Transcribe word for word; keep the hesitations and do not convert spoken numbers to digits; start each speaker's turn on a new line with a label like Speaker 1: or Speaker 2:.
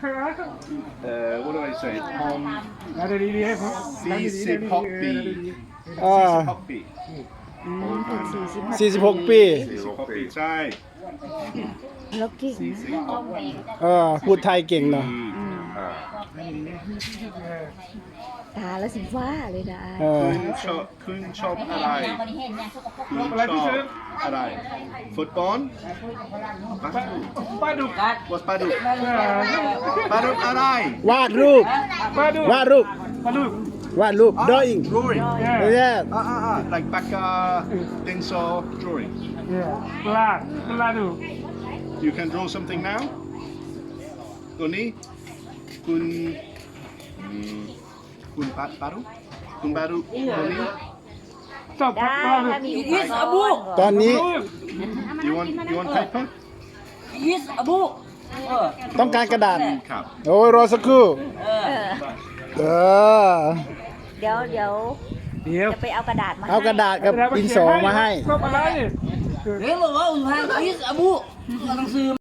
Speaker 1: เอ่อ what do I say พอม
Speaker 2: แล้วดีดีให้ผม
Speaker 1: สี่สิบหกปี
Speaker 3: อ่า
Speaker 1: สี่สิบหกปี
Speaker 3: สี่สิบหกปี
Speaker 1: สี่สิบหกปีใช่
Speaker 4: แล้วเก่ง
Speaker 1: สี่สิบหกปี
Speaker 3: เออพูดไทยเก่งเนาะ
Speaker 1: อ่า
Speaker 4: ตาแล้วสีฟ้าเลยนะ
Speaker 3: เออ
Speaker 1: คุณชอบคุณชอบอะไรคุณชอบอะไรฟุตบอลบาส
Speaker 2: ปลาดุก
Speaker 1: วอสปาดุกปาดุกอะไร
Speaker 3: วาดรูป
Speaker 2: ปลาดุก
Speaker 3: วาดรูป
Speaker 2: ปลาดุก
Speaker 3: วาดรูป drawing
Speaker 1: drawing
Speaker 3: เย้
Speaker 1: อ่าอ่าอ่า like ปากกาดินสอ drawing
Speaker 2: ปลาปลาดุก
Speaker 1: you can draw something now ตัวนี้คุณอืมคุณปาปาดุคุณปาดุตัวนี้
Speaker 2: ชอบป
Speaker 4: ได้
Speaker 2: ลาดุก
Speaker 4: ถ้ามีอุปกรณ์
Speaker 3: ตอนนี้
Speaker 1: you want you want paper
Speaker 5: ยิสอบุเออ
Speaker 3: ต้องการกระดาษ
Speaker 1: ครับ
Speaker 3: โอ้ยรอสักครู่
Speaker 4: เออ
Speaker 3: เออ
Speaker 4: เดี๋ยวเดี๋ยว
Speaker 2: เดี๋ยว
Speaker 4: จะไปเอากระดาษมา
Speaker 3: เอากระดาษกับดินสอมาให้
Speaker 2: ชอบอะไร
Speaker 5: เฮ้ยบอกว่าอุทานยิสอบุต้องซื้อ